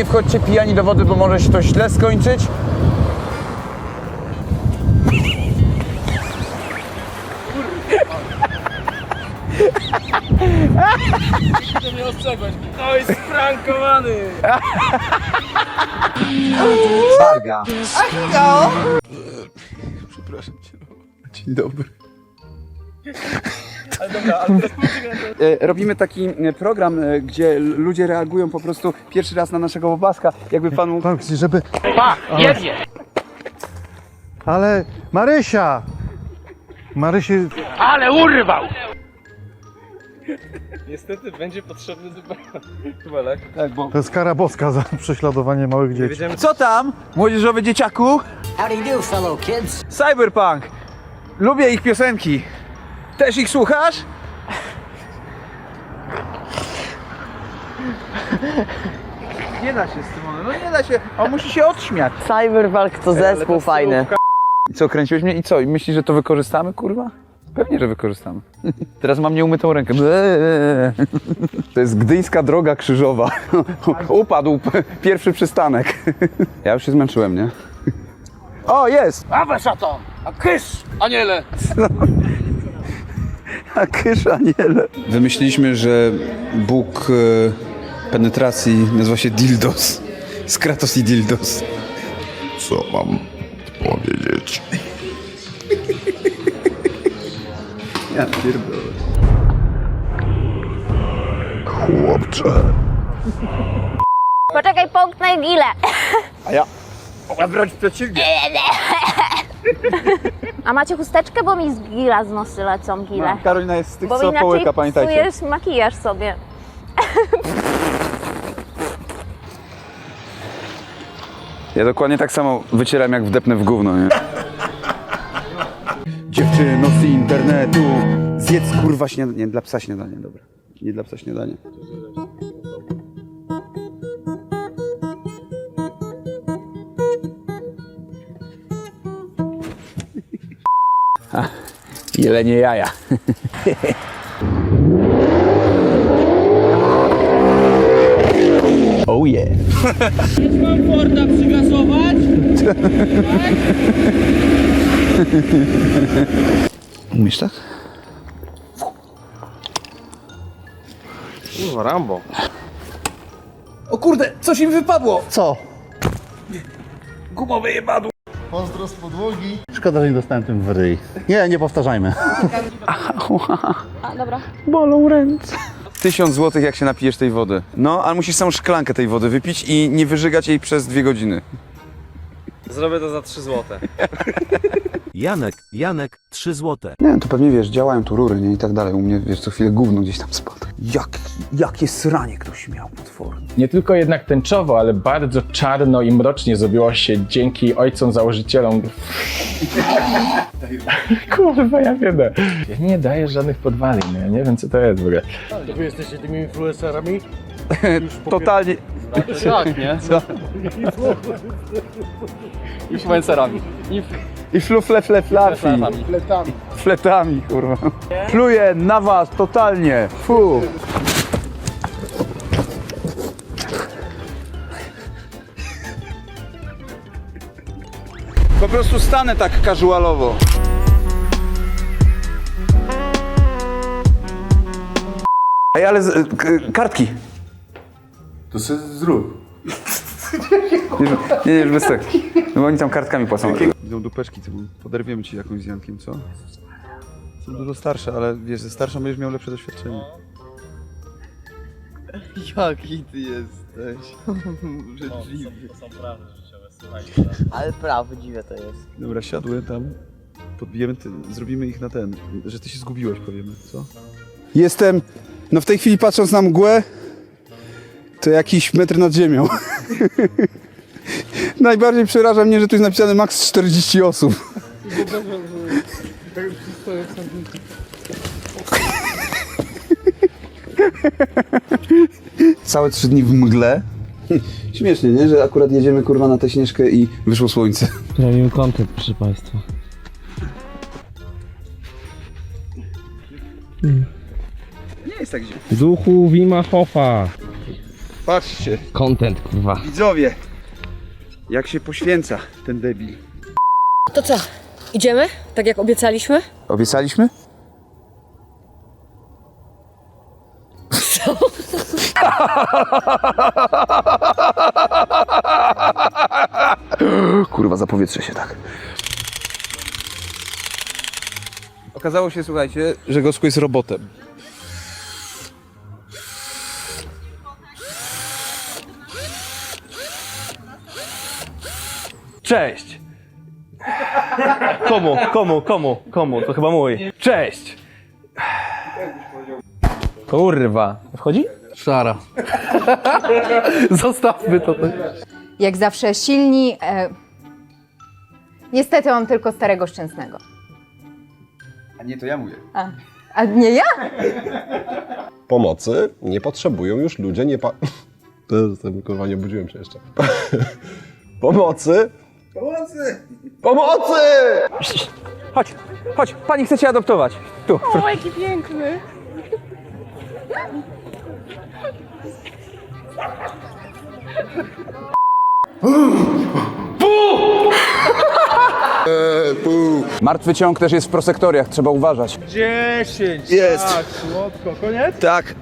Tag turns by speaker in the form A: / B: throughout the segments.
A: nie wchodźcie pijani do wody, bo może się to źle skończyć.
B: To mnie ostrzegłeś. No i sprankowany.
A: Barga.
C: No.
A: Przepraszam cię. Dzień dobry.
B: Ale dobra, ale teraz
A: Robimy taki program, gdzie ludzie reagują po prostu pierwszy raz na naszego łobaska. Jakby pan mógł...
D: Pan chce, żeby...
B: pa, jebnie.
D: Ale Marysia! Marysi...
B: Ale urwał. Niestety będzie potrzebny dubelek.
A: Tak, bo...
D: To jest kara boska za prześladowanie małych dzieci.
A: Co tam, młodzieżowy dzieciaku?
C: How do you do, fellow kids?
A: Cyberpunk. Lubię ich piosenki. Też ich słuchasz? Nie da się z tym, no nie da się, on musi się odśmiać.
E: Cyberpunk to zespół fajny.
A: I co, kręciłeś mnie i co? I myślisz, że to wykorzystamy, kurwa? Pewnie, że wykorzystamy. Teraz mam nieumytą rękę. To jest gdyńska droga krzyżowa. Upadł pierwszy przystanek. Ja już się zmęczyłem, nie? O, jest!
B: Awe szatan, a kysz, aniele.
A: A kysz aniele. Wymyśliliśmy, że Bóg penetracji nazywa się Dildos. Skratos i Dildos. Co mam powiedzieć? Ja pierdolę. Chłopcze.
F: Poczekaj, połknę gilę.
A: A ja... O, wręcz przeciwnie.
F: A macie chusteczkę, bo mi z gila z nosy lecą gile.
A: Karolina jest z tych,
F: Bo
A: co
F: inaczej
A: połyka, pamiętajcie.
F: psujesz makijaż sobie.
A: Ja dokładnie tak samo wycieram, jak wdepnę w gówno, nie? Dziewczyno z internetu, zjedz kurwa śniadanie. Nie, dla psa śniadanie, dobra. Nie dla psa śniadanie. Jelenie jaja. Oh yeah.
B: Mam Forda przygasować?
A: Umiesz tak?
B: Kurwa, Rambo.
A: O kurde, coś mi wypadło!
D: Co?
A: Gumowe jebadło.
D: Pozdro z podłogi. Szkoda, że nie dostałem tym w ryj. Nie, nie powtarzajmy.
F: A, dobra.
A: Bolą ręce. 1000 zł, jak się napijesz tej wody. No, ale musisz samą szklankę tej wody wypić i nie wyżygać jej przez 2 godziny.
B: Zrobię to za 3 złote.
G: Janek, 3 złote.
A: Nie, to pewnie wiesz, działają tu rury, nie? I tak dalej. U mnie, wiesz, co chwilę gówno gdzieś tam spada. Jakie sranie ktoś miał potworne.
H: Nie tylko jednak tęczowo, ale bardzo czarno i mrocznie zrobiło się dzięki ojcom założycielom. Kurwa, ja wiem. Ja nie daję żadnych podwalin, ja nie wiem co to jest w ogóle.
B: To wy jesteście tymi influencerami?
A: Totalnie.
B: Tak, nie?
A: Co?
B: Influencerami.
A: I flafi. Fletami, kurwa. Pluję na was totalnie. Fu. Po prostu stanę tak casualowo. Ej, ale kartki.
D: To sobie zrób.
A: Nie, bez tak. No bo oni tam kartkami płacą. Idą dupeczki, to poderwiemy ci jakąś z Jankiem, co? Są dużo starsze, ale wiesz, ze starszą będziesz miał lepsze doświadczenie.
C: Jaki ty jesteś? Ale prawdziwe to jest.
A: Dobra, siadły tam, podbijemy, zrobimy ich na ten, że ty się zgubiłeś, powiemy, co? Jestem, no w tej chwili patrząc na mgłę, to jakiś metr nad ziemią. Najbardziej przeraża mnie, że tu jest napisane maks 40 osób. Całe 3 dni w mgle. Śmiesznie, nie? Że akurat jedziemy kurwa na tę Śnieżkę i wyszło słońce.
G: Zrobimy content, proszę państwa.
A: Nie jest tak źle.
G: Duchu Wima Hofa.
A: Patrzcie,
G: Content, kurwa.
A: widzowie, jak się poświęca ten debil.
I: To co? Idziemy? Tak jak obiecaliśmy?
A: Obiecaliśmy? Kurwa, zapowietrzę się tak. Okazało się, słuchajcie, że Gosku jest robotem.
B: Cześć! Komu? To chyba mój. Cześć! Kurwa. Wchodzi?
D: Szara. Zostawmy to.
J: Jak zawsze silni. Niestety mam tylko starego szczęsnego.
A: A nie, to ja mówię.
J: A nie ja?
K: Pomocy nie potrzebują już ludzie To jestem, kurwa, nie obudziłem się jeszcze. Pomocy! Pomocy!
A: Chodź, pani chce cię adoptować. Tu.
F: O, jaki piękny.
A: Martwy ciąg też jest w prosektoriach, trzeba uważać.
B: 10!
A: Jest.
B: Tak, słodko. Koniec?
A: Tak.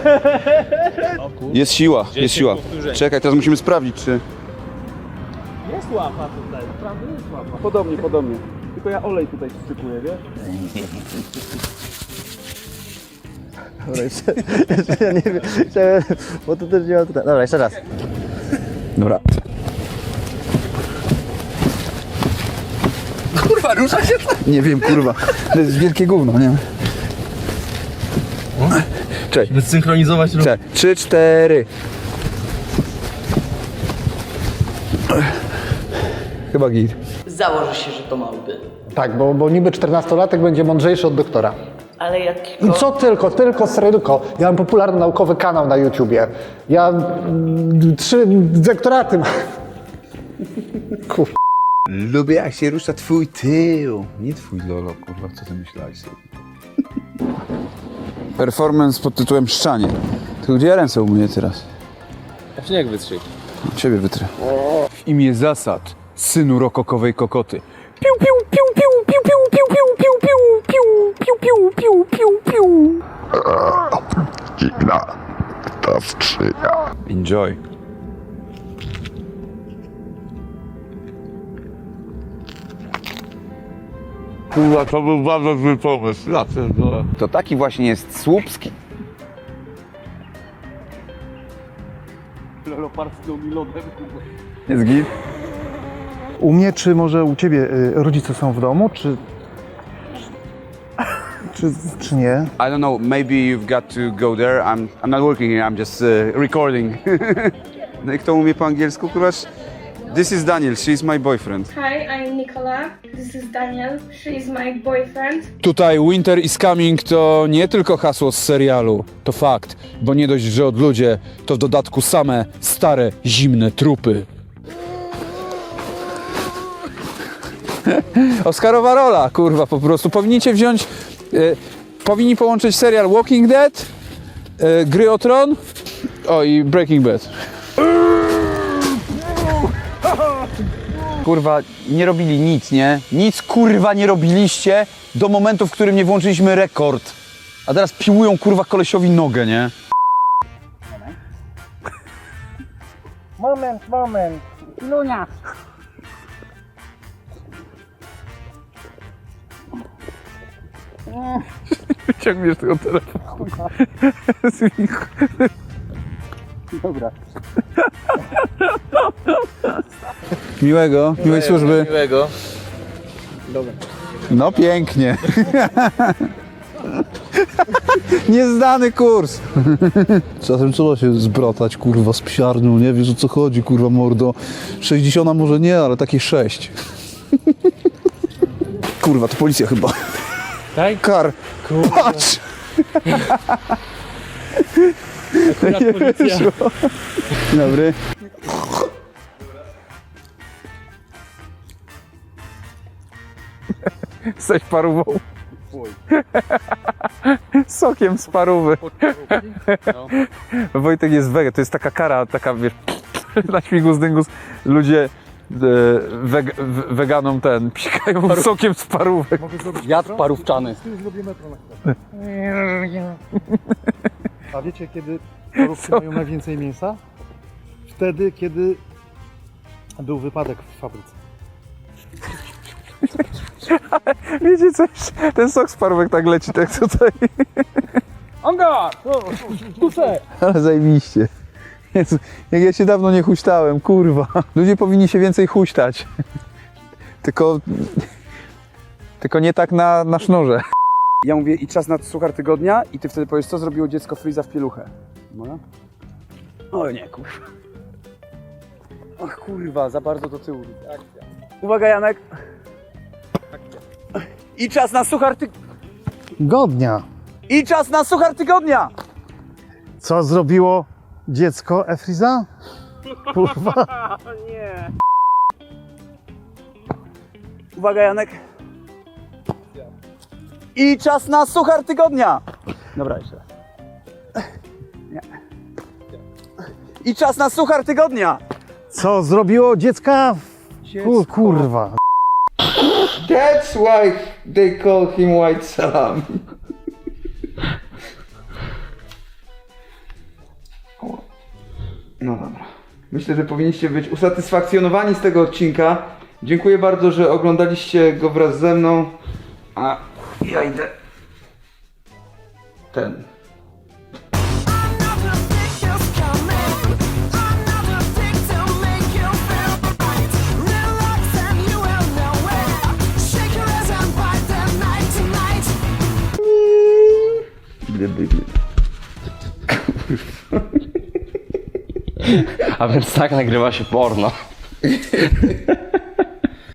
A: Jest siła, jest siła. Czekaj, teraz musimy sprawdzić, czy...
B: Jest łapa tutaj, naprawdę jest łapa.
A: Podobnie.
B: Tylko ja olej tutaj wstrzykuję, wiesz?
C: Ja nie wiem, bo to też nie ma tutaj. Dobra, jeszcze raz.
A: Dobra. Kurwa, rusza się to? Nie wiem, kurwa. To jest wielkie gówno, nie? Cześć.
B: Zsynchronizować ruch.
A: 3, 4. Chyba git.
E: Założę się, że to małpy.
D: Tak, bo niby 14-latek będzie mądrzejszy od doktora.
E: Ale jakiego...
D: I co tylko sredyko. Ja mam popularny naukowy kanał na YouTubie. Ja 3 doktoraty mam. Kurwa.
A: Lubię, jak się rusza twój tył. Nie twój lolo, kurwa, co ty myślałeś sobie? Performance pod tytułem Szczanie. To gdzie ja ręce umyję teraz?
B: Ja się jak wytrzyj.
A: Ciebie wytrę. W imię zasad, synu rokokowej kokoty. Piu, piu, piu, piu, piu, piu, piu, piu, piu, piu, piu, piu, piu, piu, piu. Enjoy.
B: Kurwa, to był bardzo zły pomysł. Ja pierdolę.
A: To taki właśnie jest Słupski.
B: Leopardzką mi lodem, kurwa.
A: Jest git?
D: U mnie, czy może u ciebie rodzice są w domu, czy nie?
A: I don't know, maybe you've got to go there. I'm not working here, I'm just recording. No i kto umie po angielsku, kurwa? This is Daniel, she's my boyfriend.
L: Hi, I'm Nicola. This is Daniel. She is my boyfriend.
A: Tutaj Winter is Coming to nie tylko hasło z serialu, to fakt, bo nie dość, że odludzie, to w dodatku same stare, zimne trupy. Oscarowa rola, kurwa, po prostu. Powinniście wziąć, powinni połączyć serial Walking Dead, Gry o Tron, i Breaking Bad. Kurwa, nie robili nic, nie? Nic, kurwa, nie robiliście do momentu, w którym nie włączyliśmy rekord. A teraz piłują, kurwa, kolesiowi nogę, nie?
B: Moment.
F: Lunia.
A: Wyciągniesz tego telefonu. Dobra. Miłej służby.
B: Miłego.
A: No pięknie. Nieznany kurs.
D: Czasem trzeba się zbratać, kurwa, z psiarnią, nie wiesz o co chodzi, kurwa, mordo. 60 może nie, ale takie 6.
A: Kurwa, to policja chyba.
B: Tak?
A: Kar. Patrz!
B: Akurat policja.
A: Dzień dobry. Jesteś parówą. Sokiem z parówy. Wojtek jest wege, to jest taka kara, taka wiesz, na śmigus dyngus ludzie weganom psikają sokiem z parówek.
B: Jad parówczany.
D: A wiecie, kiedy parówki mają najwięcej mięsa? Wtedy, kiedy był wypadek w fabryce.
A: Wiecie coś, ten sok z parówek tak leci, tak tutaj.
B: Anga! Kusze!
A: Ale zajebiście. Jezu, jak ja się dawno nie huśtałem, kurwa. Ludzie powinni się więcej huśtać. Tylko nie tak na sznurze. Ja mówię i czas na suchar tygodnia i ty wtedy powiesz, co zrobiło dziecko Freeza w pieluchę. No? Oj nie, kurwa. Ach kurwa, za bardzo do tyłu. Uwaga Janek. I czas na suchar
D: Godnia.
A: I czas na suchar tygodnia!
D: Co zrobiło dziecko Efriza? Kurwa.
A: Uwaga Janek. I czas na suchar tygodnia! Dobra, jeszcze raz. Nie. I czas na suchar tygodnia!
D: Co zrobiło dziecka? Kurwa.
A: That's why they call him White Salami. No dobra. Myślę, że powinniście być usatysfakcjonowani z tego odcinka. Dziękuję bardzo, że oglądaliście go wraz ze mną. A ja idę ten.
B: A więc tak nagrywa się porno.